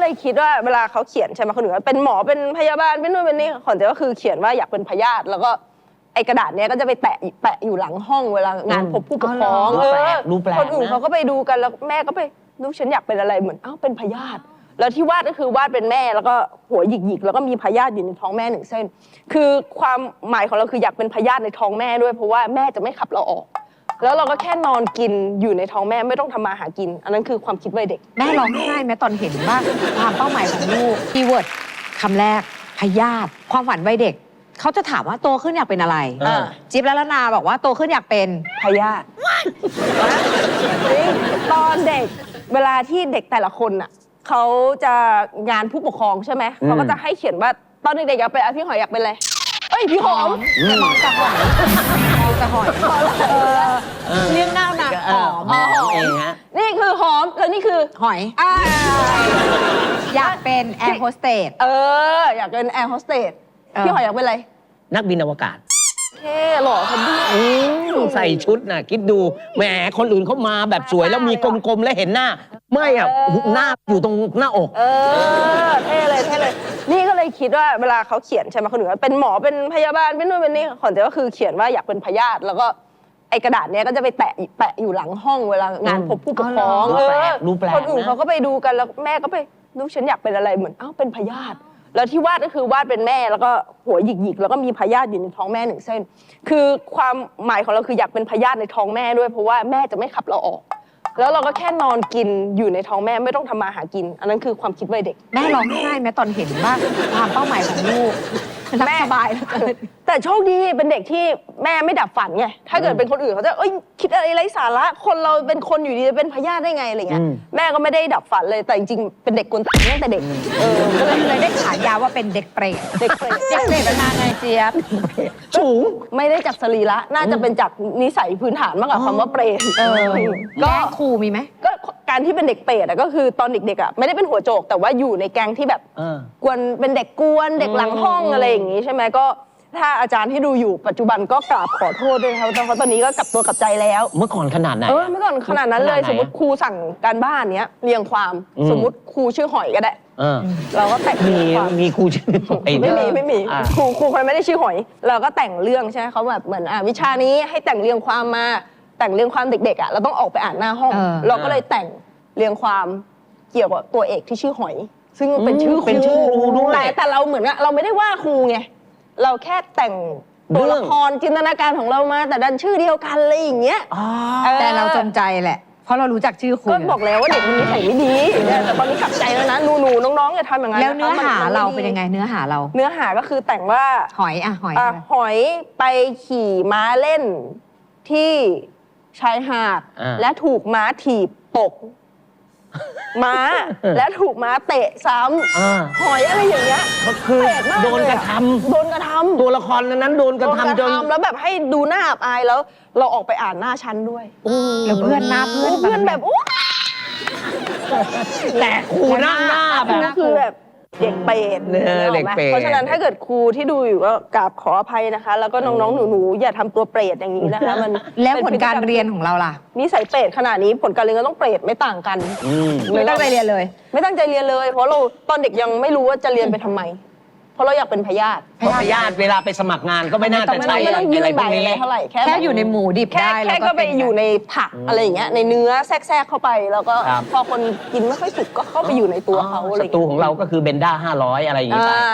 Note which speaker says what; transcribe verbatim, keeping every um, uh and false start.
Speaker 1: เลยคิดว่าเวลาเขาเขียนใช่ไหมคนอื่นว่าเป็นหมอเป็นพยาบาลเป็นนู่นเป็นนี่ของเจ๊ก็คือเขียนว่าอยากเป็นพยาธิแล้วก็ไอกระดาษเนี้ยก็จะไปแตะแปะอยู่หลังห้องเวลางานพบผู้ปกครองเออคนอื่นเขาก็ไปดูกันแล้วแม่ก็ไปลูกฉันอยากเป็นอะไรเหมือนอ้าวเป็นพยาธิแล้วที่วาดก็คือวาดเป็นแม่แล้วก็หัวหยิกๆแล้วก็มีพยาธิอยู่ในท้องแม่หนึ่งเส้นคือความหมายของเราคืออยากเป็นพยาธิในท้องแม่ด้วยเพราะว่าแม่จะไม่ขับเราออกแล้วเราก็แค่นอนกินอยู่ในท้องแม่ไม่ต้องทำมาหากินอันนั้นคือความคิดวัยเด็ก
Speaker 2: แม่ร้องไห้ไหมตอนเห็นว่าความเป้าหมายของลูกคีย์เวิร์ดคำแรกพยาธิความฝันวัยเด็กเขาจะถามว่าโตขึ้นอยากเป็นอะไรจิ๊บและละนาบอกว่าโตขึ้นอยากเป็น
Speaker 1: พยาธิตอนเด็กเวลาที่เด็กแต่ละคนอ่ะเขาจะงานผู้ปกครองใช่ไหมเขาก็จะให้เขียนว่าตอนเด็กๆอยากเป็นพี่หอยอยากเป็นอะไรเอ้ยพี่หอม
Speaker 2: มองจะหอยมองจะหอยเลี้ยงหน้าหนักหอม
Speaker 3: หอมเองฮะ
Speaker 1: นี่คือหอมแล้วนี่คือ
Speaker 2: หอยอยากเป็นแอร์โฮสเตส
Speaker 1: เอออยากเป็นแอร์โฮสเตสพี่หอยอยากเป็นอะไร
Speaker 3: นักบินอวกาศ
Speaker 1: เท่หล่อคนดี
Speaker 3: ใส่ชุดน่ะคิดดูแหมคนอื่นเขามาแบบสวยแล้วมีกลมๆแล้วเห็นหน้าไม่อ่ะหน้าอยู่ตรงหน้าอก
Speaker 1: เออเท่เลยเท่เลยนี่ก็เลยคิดว่าเวลาเขาเขียนใช่ไหมคนอื่นว่าเป็นหมอเป็นพยาบาลเป็นนู่นเป็นนี่ของเจ๊ก็คือเขียนว่าอยากเป็นพยาธิแล้วก็ไอกระดาษเนี้ยก็จะไปแปะแปะอยู่หลังห้องเวลางานพบผู้ปกครองเออคนอื่นเขาก็ไปดูกันแล้วแม่ก็ไปลูกฉันอยากเป็นอะไรเหมือนอ้าวเป็นพยาธิแล้วที่วาดก็คือวาดเป็นแม่แล้วก็หัวหยิกๆแล้วก็มีพยาธิอยู่ในท้องแม่หนึ่งเส้นคือความหมายของเราคืออยากเป็นพยาธิในท้องแม่ด้วยเพราะว่าแม่จะไม่ขับเราออกแล้วเราก็แค่นอนกินอยู่ในท้องแม่ไม่ต้องทำมาหากินอันนั้นคือความคิดวัยเด็ก
Speaker 2: แม่ร้องไห้ไหมตอนเห็นว่าความเป้าหมายของลูกแม่สบายแล้ว
Speaker 1: แต่โชคดีเป็นเด็กที่แม่ไม่ดับฝันไงถ้าเกิดเป็นคนอื่นเขาจะเอ้ยคิดอะไรไร้สาระคนเราเป็นคนอยู่ดีจะเป็นพยาธิได้ไงอะไรเงี้ยแม่ก็ไม่ได้ดับฝันเลยแต่จริงๆเป็นเด็กกวนตีนตั้งแต่เด็ก
Speaker 2: เออก็เลยเลยได้ฉายาว่าเป็นเด็กเปรต
Speaker 1: เด็กเปรต
Speaker 2: เด็กเปรตเป็นไงเจี๊ยบ
Speaker 1: สูงไม่ได้จากสรีระน่าจะเป็นจากนิสัยพื้นฐานมากกว่าคำว่าเปรต
Speaker 2: ก็ครูมีไหม
Speaker 1: ก็การที่เป็นเด็กเปรตก็คือตอนเด็กๆอ่ะไม่ได้เป็นหัวโจกแต่ว่าอยู่ในแก๊งที่แบบกวนเป็นเด็กกวนเด็กหลังห้องอะไรอย่างงี้ใช่ไหมก็ถ้าอาจารย์ที่ดูอยู่ปัจจุบันก็กราบขอโทษด้วยนะครับเพราะตอนนี้ก็กลับตัวกลับใจแล้ว
Speaker 3: เมื่อก่อนขนาดไหน
Speaker 1: เออเมื่อก่อนขนาดนั้นเลยสมมติครูสั่งการบ้านเนี้ยเรียงความสมมติครูชื่อหอยก็ได้เราก็แต่ง
Speaker 3: มีมีครูชื่อ
Speaker 1: ไม่มีไม่มีครูครูคนไม่ได้ชื่อหอยเราก็แต่งเรื่องใช่ไหมเขาแบบเหมือนอ่าวิชานี้ให้แต่งเรียงความมาแต่งเรียงความเด็กๆอ่ะเราต้องออกไปอ่านหน้าห้องเราก็เลยแต่งเรียงความเกี่ยวกับตัวเอกที่ชื่อหอยซึ่งเป็นชื่อ
Speaker 3: เป็นชื่อครูด้วย
Speaker 1: แต่แต่เราเหมือนเราไม่ได้ว่าครูไงเราแค่แต่งตัวละครจินตนาการของเรามาแต่ดันชื่อเดียวกันเลยอย่างเงี้ย
Speaker 2: แต่เราจงใจแหละเพราะเรารู้จักชื่อครู
Speaker 1: ก็บอกแล้วว่าเด็กมันนิสัยไม่ดีแต่ตอนนี้กลับใจแล้วนะหนูๆน้องๆอย่าทำอย่างนั้น
Speaker 2: แล้วเนื้อหาเราเป็นยังไงเนื้อหาเรา
Speaker 1: เนื้อหาก็คือแต่งว่า
Speaker 2: หอยอ่ะหอย
Speaker 1: หอยไปขี่ม้าเล่นที่ชายหาดและถูกม้าถีบตกม้าและถูกม้าเตะซ้ำหอยอะไรอย่างเงี้ย
Speaker 3: ก็คือโดนกระทำ
Speaker 1: โดนกระทำ
Speaker 3: ตัวละครนั้นโดนกระทำจน
Speaker 1: แล้วแบบให้ดูหน้าอับอายแล้วเราออกไปอ่านหน้าชั้นด้วย
Speaker 2: แล้วเพื่อนหน้าเพื่อน
Speaker 1: เพื่อนแบบโอ้
Speaker 3: แต่ครูหน้าหน้าแบบ
Speaker 1: คือแบบเด็กเปรต
Speaker 3: เด็กเปรต
Speaker 1: เพราะฉะนั้นถ้าเกิดครูที่ดูอยู่ก็กราบขออภัยนะคะแล้วก็น้องๆหนูๆอย่าทำตัวเปรตอย่างนี้นะคะมัน
Speaker 2: แล้วผลการเรียนของเราล่ะ
Speaker 1: นิสัยเปรตขนาดนี้ผลการเรียนก็ต้องเปรตไม่ต่างกัน
Speaker 2: ไม่ตั้งใจเรียนเลย
Speaker 1: ไม่ตั้งใจเรียนเลยเพราะเราตอนเด็กยังไม่รู้ว่าจะเรียนไปทำไมเพราะเราอยากเป็นพยาธิ
Speaker 3: พยาธิเวลาไปสมัครงานก็ไม่น่าจะใช้อะไรพวกนี้
Speaker 1: เท่าไหร่
Speaker 2: แค่อยู่ในหมูดิบได้
Speaker 1: แค่ก็ไปอยู่ในผักอะไรอย่างเงี้ยในเนื้อแทรกๆเข้าไปแล้วก็พอคนกินไม่ค่อยสุกก็เข้าไปอยู่ในตัวเขาอะไร
Speaker 3: ศัตรูของเราก็คือเบนด้าห้าร้อยอะไรอย่างงี้ไป